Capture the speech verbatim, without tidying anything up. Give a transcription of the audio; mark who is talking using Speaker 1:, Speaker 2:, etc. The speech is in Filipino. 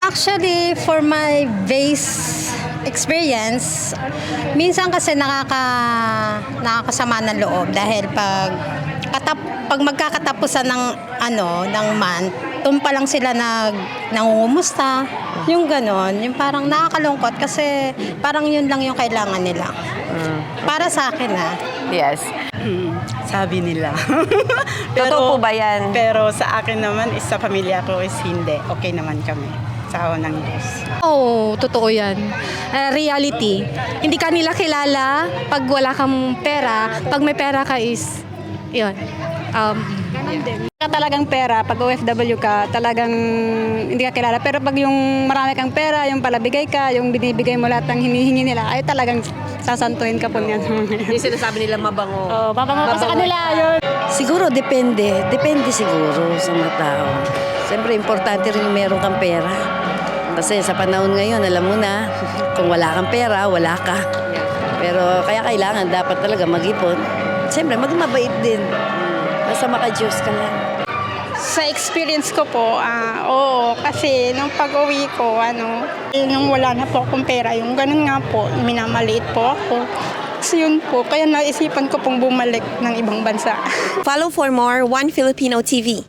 Speaker 1: Actually, for my base experience, minsan kasi nakaka nakakasama ng loob dahil pag katap, pag magkakatapusan ng ano ng month, doon pa lang sila nag nangungumusta, yung ganon, yung parang nakakalungkot kasi parang yun lang yung kailangan nila. Para sa akin ah.
Speaker 2: Yes.
Speaker 3: Hmm, sabi nila.
Speaker 2: Totoo po ba yan?
Speaker 3: Pero sa akin naman, is sa pamilya ko is hindi. Okay naman kami. Sa awa ng Diyos.
Speaker 4: Oo, totoo yan. Uh, reality. Hindi ka nila kilala pag wala kang pera. Pag may pera ka is, yun. Um,
Speaker 5: Ka talagang pera, pag O F W ka, talagang hindi ka kilala. Pero pag yung marami kang pera, yung palabigay ka, yung binibigay mo lahat ng hinihingi nila, ay talagang sasantuin ka po niyan.
Speaker 2: Yung sinasabi nila mabango.
Speaker 5: Oh, papango ka sa kanila, yun.
Speaker 6: Siguro depende. Depende siguro sa mga tao. Siyempre, importante rin yung meron kang pera. Kasi sa panahon ngayon, alam mo na, kung wala kang pera, wala ka. Pero kaya kailangan, dapat talaga mag-ipon. Siyempre, magmabait din. Basta maka-Diyos ka lang.
Speaker 7: Sa experience ko po, ah, oo, kasi nung pag-uwi ko, ano, eh, nung wala na po akong pera, yung ganun nga po, minamaliit po ako. Kasi yun po, kaya naisipan ko pong bumalik ng ibang bansa.
Speaker 8: Follow for more One Filipino T V.